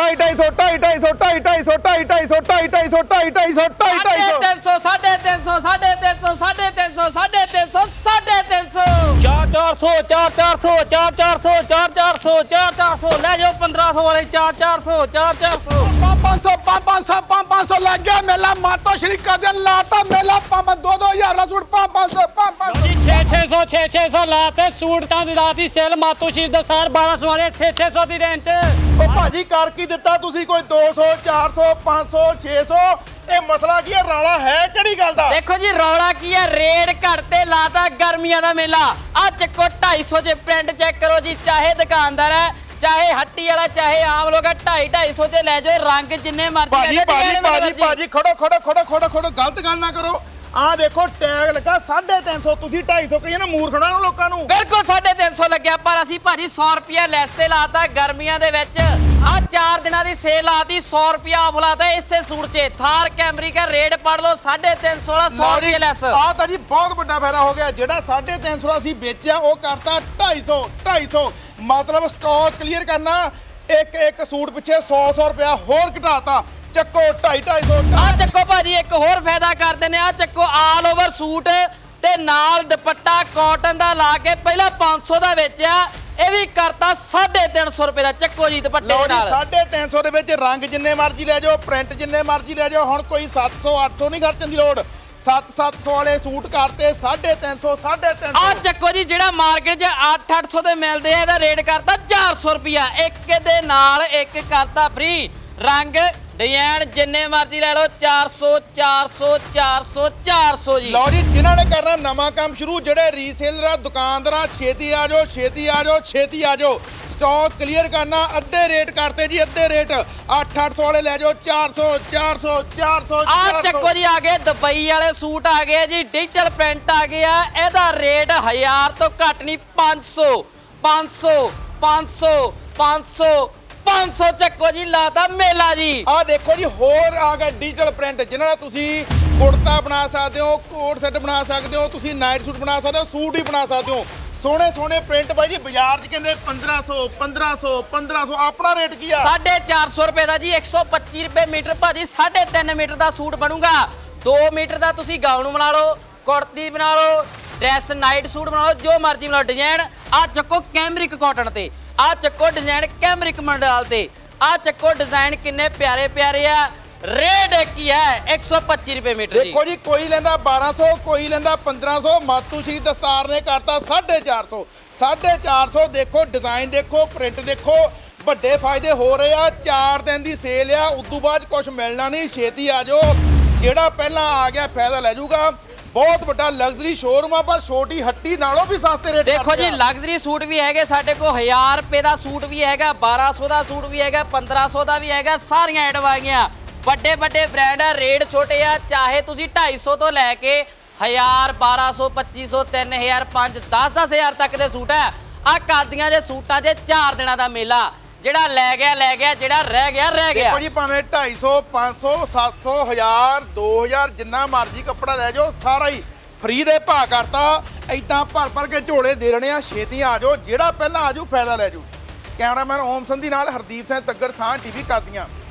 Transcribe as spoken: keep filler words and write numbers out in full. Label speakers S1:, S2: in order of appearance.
S1: ढाई ढाई सौ ढाई ढाई सौ ढाई ढाई सौ ढाई ढाई सौ ढाई ढाई सौ ढाई ढाई सौ ढाई ढाई सौ
S2: तीन सौ साढ़े तीन सौ साढ़े तीन सौ साढ़े तीन सौ साढ़े तीन सौ साढ़े तीन सौ
S3: चार चार सौ चार चार सौ चार चार सौ चार चार सौ चार चार सौ ले जाओ पंद्रह सौ वाले चार चार सौ चार चार सौ
S1: पाँच सौ पाँच सौ पाँच सौ लग गया मेला मातो श्री कदे लाता मेला पाँच दो दो हजार का सूट पाँच पाँच सौ पाँच पाँच सौ
S3: छे छे सौ छे छे सौ लाते सूट ਤਾਂ ਰਾਤੀ ਸੇਲ ਮਾਤੋ ਸ਼ੀਰ ਦਾ ਸਾਰ ਬਾਰਾਂ ਸੌ ਵਾਲੇ ਛੇ ਛੇ ਸੌ ਦੀ ਰੇਂਜ ਚ
S1: ਉਹ ਭਾਜੀ ਕਰ ਕੀ ਦਿੱਤਾ ਤੁਸੀਂ ਕੋਈ ਦੋ ਸੌ ਚਾਰ ਸੌ ਪੰਜ ਸੌ ਛੇ ਸੌ ਇਹ ਮਸਲਾ ਕੀ ਹੈ ਰੌਲਾ ਹੈ ਕਿਹੜੀ ਗੱਲ ਦਾ
S2: ਦੇਖੋ ਜੀ ਰੌਲਾ ਕੀ ਹੈ ਰੇਡ ਘੱਟ ਤੇ ਲਾਤਾ ਗਰਮੀਆਂ ਦਾ ਮੇਲਾ ਆ ਚੱਕੋ ਢਾਈ ਸੌ ਚ ਪ੍ਰਿੰਟ ਚੈੱਕ ਕਰੋ ਜੀ ਚਾਹੇ ਦੁਕਾਨਦਾਰ ਹੈ ਚਾਹੇ ਹੱਟੀ ਵਾਲਾ ਚਾਹੇ ਆਮ ਲੋਕ ਢਾਈ ਢਾਈ ਸੌ ਚ ਲੈ ਜਾਓ ਰੰਗ ਜਿੰਨੇ ਮਰਜ਼ੀ
S1: ਭਾਜੀ
S2: ਲੈ
S1: ਭਾਜੀ ਭਾਜੀ ਭਾਜੀ ਖੜੋ ਖੜੋ ਖੜੋ ਖੜੋ ਖੜੋ ਗਲਤ ਗੱਲ ਨਾ ਕਰੋ ਆ ਦੇਖੋ ਟੈਗ ਲੱਗਾ ਸਾਢੇ ਤਿੰਨ ਸੌ ਤੁਸੀਂ ਢਾਈ ਸੌ ਕਹੀਏ ਨਾ ਮੂਰਖਣਾ ਨੂੰ ਲੋਕਾਂ ਨੂੰ
S2: ਬਿਲਕੁਲ ਸਾਢੇ ਤਿੰਨ ਸੌ ਲੱਗਿਆ ਪਰ ਅਸੀਂ ਭਾਜੀ ਸੌ ਰੁਪਿਆ ਲੈਸ ਤੇ ਲਾਤਾ ਗਰਮੀਆਂ ਦੇ ਵਿੱਚ ਆ ਚਾਰ ਦਿਨਾਂ ਦੀ ਸੇਲ ਲਾਤੀ ਸੌ ਰੁਪਿਆ ਆਫ ਲਾਤਾ ਇਸੇ ਸੂਟ 'ਚ ਥਾਰ ਕੈਮਰੀ ਦਾ ਰੇਟ ਪੜ ਲਓ ਸਾਢੇ ਤਿੰਨ ਸੌ ਵਾਲਾ ਸੌ ਰੁਪਏ ਲੈਸ
S1: ਆ ਤਾਂ ਜੀ ਬਹੁਤ ਵੱਡਾ ਫਾਇਦਾ ਹੋ ਗਿਆ ਜਿਹੜਾ ਸਾਢੇ ਤਿੰਨ ਸੌ ਦਾ ਅਸੀਂ ਵੇਚਿਆ ਉਹ ਕਰਤਾ ਢਾਈ ਸੌ ਢਾਈ ਸੌ ਮਤਲਬ ਸਟਾਕ ਕਲੀਅਰ ਕਰਨਾ ਇੱਕ ਇੱਕ ਸੂਟ ਪਿੱਛੇ ਸੌ ਸੌ ਰੁਪਿਆ ਹੋਰ ਘਟਾਤਾ ਚੱਕੋ ਢਾਈ ਢਾਈ ਸੌ
S2: ਆ ਚੱਕੋ ਭਾਜੀ ਇੱਕ ਹੋਰ ਫਾਇਦਾ ਕਰਦੇ ਨੇ ਆ ਚੱਕੋ ਆਲ ਓਵਰ ਸੂਟ ਤੇ ਨਾਲ ਦੁਪੱਟਾ ਕਾਟਨ ਦਾ ਲਾ ਕੇ ਪਹਿਲਾਂ ਪੰਜ ਸੌ ਦਾ ਵੇਚਿਆ ਇਹ ਵੀ ਕਰਤਾ ਸਾਢੇ ਤਿੰਨ ਸੌ ਰੁਪਏ ਦਾ ਚੱਕੋ ਜੀ ਦੁਪੱਟੇ ਦੇ ਨਾਲ
S1: ਸਾਢੇ ਤਿੰਨ ਸੌ ਦੇ ਵਿੱਚ ਰੰਗ ਜਿੰਨੇ ਮਰਜ਼ੀ ਲੈ ਜਾਓ ਪ੍ਰਿੰਟ ਜਿੰਨੇ ਮਰਜ਼ੀ ਲੈ ਜਾਓ ਹੁਣ ਕੋਈ ਸੱਤ ਸੌ ਅੱਠ ਸੌ ਨਹੀਂ ਖਰਚਣ ਦੀ ਲੋੜ ਸੱਤ ਸੱਤ ਸੌ ਵਾਲੇ ਸੂਟ ਕਰਤੇ ਸਾਢੇ ਤਿੰਨ ਸੌ ਸਾਢੇ ਤਿੰਨ ਸੌ
S2: ਆ ਚੱਕੋ ਜੀ ਜਿਹੜਾ ਮਾਰਕੀਟ 'ਚ ਅੱਠ ਅੱਠ ਸੌ ਦੇ ਮਿਲਦੇ ਆ ਇਹਦਾ ਰੇਟ ਕਰਤਾ ਚਾਰ ਸੌ ਰੁਪਿਆ ਇੱਕ ਦੇ ਨਾਲ ਇੱਕ ਕਰਤਾ ਫ੍ਰੀ ਰੰਗ ਡਿਜ਼ਾਈਨ ਜਿੰਨੇ ਮਰਜ਼ੀ ਲੈ ਲਓ ਚਾਰ ਸੌ ਚਾਰ ਸੌ ਚਾਰ ਸੌ ਚਾਰ ਸੌ ਜੀ
S1: ਲਓ ਜੀ ਜਿਨ੍ਹਾਂ ਨੇ ਕਰਨਾ ਨਵਾਂ ਕੰਮ ਸ਼ੁਰੂ ਜਿਹੜੇ ਰੀਸੇਲਰ ਦੁਕਾਨਦਾਰ ਛੇਤੀ ਆ ਜਾਓ ਛੇਤੀ ਆ ਜਾਓ ਛੇਤੀ ਆ ਜਾਓ ਸਟਾਕ ਕਲੀਅਰ ਕਰਨਾ ਅੱਧੇ ਰੇਟ ਕਰਤੇ ਜੀ ਅੱਧੇ ਰੇਟ ਅੱਠ ਅੱਠ ਸੌ ਵਾਲੇ ਲੈ ਜਾਓ ਚਾਰ ਸੌ ਚਾਰ ਸੌ ਚਾਰ ਸੌ
S2: ਆ ਚੱਕੋ ਜੀ ਆ ਗਏ ਦੁਬਈ ਵਾਲੇ ਸੂਟ ਆ ਗਏ ਜੀ ਡਿਜੀਟਲ ਪ੍ਰਿੰਟ ਆ ਗਿਆ ਇਹਦਾ ਰੇਟ ਹਜ਼ਾਰ ਤੋਂ ਘੱਟ ਨਹੀਂ ਪੰਜ ਸੌ ਪੰਜ ਸੌ ਪੰਜ ਸੌ ਪੰਜ ਸੌ ਪੰਜ ਸੌ ਚੱਕੋ ਜੀ ਲਾਤਾ ਮੇਲਾ ਜੀ
S1: ਆ ਦੇਖੋ ਜੀ ਹੋਰ ਆ ਗਿਆ ਡਿਜੀਟਲ ਪ੍ਰਿੰਟ ਜਿਨ੍ਹਾਂ ਨਾਲ ਤੁਸੀਂ ਕੁੜਤਾ ਬਣਾ ਸਕਦੇ ਹੋ ਕੋਟ ਸੈੱਟ ਬਣਾ ਸਕਦੇ ਹੋ ਤੁਸੀਂ ਨਾਈਟ ਸੂਟ ਬਣਾ ਸਕਦੇ ਹੋ ਸੂਟ ਹੀ ਬਣਾ ਸਕਦੇ ਹੋ ਸੋਹਣੇ ਸੋਹਣੇ ਪ੍ਰਿੰਟ ਬਾਈ ਜੀ ਬਾਜ਼ਾਰ 'ਚ ਕਹਿੰਦੇ ਪੰਦਰਾਂ ਸੌ ਪੰਦਰਾਂ ਸੌ ਪੰਦਰਾਂ ਸੌ ਆਪਣਾ ਰੇਟ ਕੀ ਆ
S2: ਸਾਢੇ ਚਾਰ ਸੌ ਰੁਪਏ ਦਾ ਜੀ ਇੱਕ ਸੌ ਪੱਚੀ ਰੁਪਏ ਮੀਟਰ ਭਾਜੀ ਸਾਢੇ ਤਿੰਨ ਮੀਟਰ ਦਾ ਸੂਟ ਬਣੂਗਾ ਦੋ ਮੀਟਰ ਦਾ ਤੁਸੀਂ ਗਾਊਨ ਬਣਾ ਲਓ ਕੁੜਤੀ ਬਣਾ ਲਓ ਡਰੈਸ ਨਾਈਟ ਸੂਟ ਬਣਾ ਲਓ ਜੋ ਮਰਜ਼ੀ ਬਣਾ ਲਓ ਡਿਜ਼ਾਈਨ ਆ ਚੱਕੋ ਕੈਮਰਿਕ ਕਾਟਨ ਤੇ ਆ ਚੱਕੋ ਡਿਜ਼ਾਈਨ ਕੈਮਰਿਕ ਮੰਡਾਲ ਤੇ ਆ ਚੱਕੋ ਡਿਜ਼ਾਈਨ ਕਿੰਨੇ ਪਿਆਰੇ ਪਿਆਰੇ ਆ ਰੇਟ ਕੀ ਹੈ ਇੱਕ ਸੌ ਪੱਚੀ ਰੁਪਏ ਮੀਟਰ ਜੀ
S1: ਦੇਖੋ ਜੀ ਕੋਈ ਲੈਂਦਾ ਬਾਰਾਂ ਸੌ ਕੋਈ ਲੈਂਦਾ ਪੰਦਰਾਂ ਸੌ ਮਾਤੂ ਸ਼੍ਰੀ ਦਸਤਾਰ ਨੇ ਕਰਤਾ ਸਾਢੇ ਚਾਰ ਸੌ ਸਾਢੇ ਚਾਰ ਸੌ ਦੇਖੋ ਡਿਜ਼ਾਈਨ ਦੇਖੋ ਪ੍ਰਿੰਟ ਦੇਖੋ ਵੱਡੇ ਫਾਇਦੇ ਹੋ ਰਹੇ ਆ ਚਾਰ ਦਿਨ ਦੀ ਸੇਲ ਆ ਉਦੋਂ ਬਾਅਦ ਕੁਝ ਮਿਲਣਾ ਨਹੀਂ ਛੇਤੀ ਆ ਜਾਓ ਜਿਹੜਾ ਪਹਿਲਾਂ ਆ ਗਿਆ ਫਾਇਦਾ ਲੈ ਜਾਊਗਾ ਬਹੁਤ ਵੱਡਾ ਲਗਜ਼ਰੀ ਸ਼ੋਰੂਮ ਆ ਪਰ ਛੋਟੀ ਹੱਟੀ ਨਾਲੋਂ ਵੀ ਸਸਤੇ ਰੇਟ
S2: ਦੇਖੋ ਜੀ ਲਗਜ਼ਰੀ ਸੂਟ ਵੀ ਹੈਗੇ ਸਾਡੇ ਕੋਲ ਹਜ਼ਾਰ ਰੁਪਏ ਦਾ ਸੂਟ ਵੀ ਹੈਗਾ ਬਾਰਾਂ ਸੌ ਦਾ ਸੂਟ ਵੀ ਹੈਗਾ ਪੰਦਰਾਂ ਸੌ ਦਾ ਵੀ ਹੈਗਾ ਸਾਰੀਆਂ ਆਈਟਮ ਆ ਗਈਆਂ ਵੱਡੇ ਵੱਡੇ ਬ੍ਰਾਂਡ ਆ ਰੇਟ ਛੋਟੇ ਆ ਚਾਹੇ ਤੁਸੀਂ ਢਾਈ ਸੌ ਤੋਂ ਲੈ ਕੇ ਹਜ਼ਾਰ ਬਾਰਾਂ ਸੌ ਪੱਚੀ ਸੌ ਤਿੰਨ ਹਜ਼ਾਰ ਪੰਜ ਦਸ ਦਸ ਹਜ਼ਾਰ ਤੱਕ ਦੇ ਸੂਟ ਆ ਆ ਕਾਦੀਆਂ ਦੇ ਸੂਟਾਂ 'ਚ ਚਾਰ ਦਿਨਾਂ ਦਾ ਮੇਲਾ ਜਿਹੜਾ ਲੈ ਗਿਆ ਲੈ ਗਿਆ ਜਿਹੜਾ ਰਹਿ ਗਿਆ ਰਹਿ ਗਿਆ
S1: ਦੇਖੋ ਜੀ ਭਾਵੇਂ ਢਾਈ ਸੌ ਪੰਜ ਸੌ ਸੱਤ ਸੌ ਹਜ਼ਾਰ ਦੋ ਹਜ਼ਾਰ ਜਿੰਨਾ ਮਰਜ਼ੀ ਕੱਪੜਾ ਲੈ ਜਾਓ ਸਾਰਾ ਹੀ ਫ੍ਰੀ ਦੇ ਭਾਅ ਕਰਤਾ ਐਦਾਂ ਭਰ ਭਰ ਕੇ ਝੋਲੇ ਦੇ ਰਹੇ ਆ ਛੇਤੀ ਆ ਜਾਓ ਜਿਹੜਾ ਪਹਿਲਾਂ ਆਜੂ ਫਾਇਦਾ ਲੈ ਜਾਓ ਕੈਮਰਾਮੈਨ ਓਮ ਸੰਧੀ ਨਾਲ ਹਰਦੀਪ ਸਿੰਘ ਤੱਗੜ ਸਾਹ ਟੀਵੀ ਕਾਦੀਆਂ।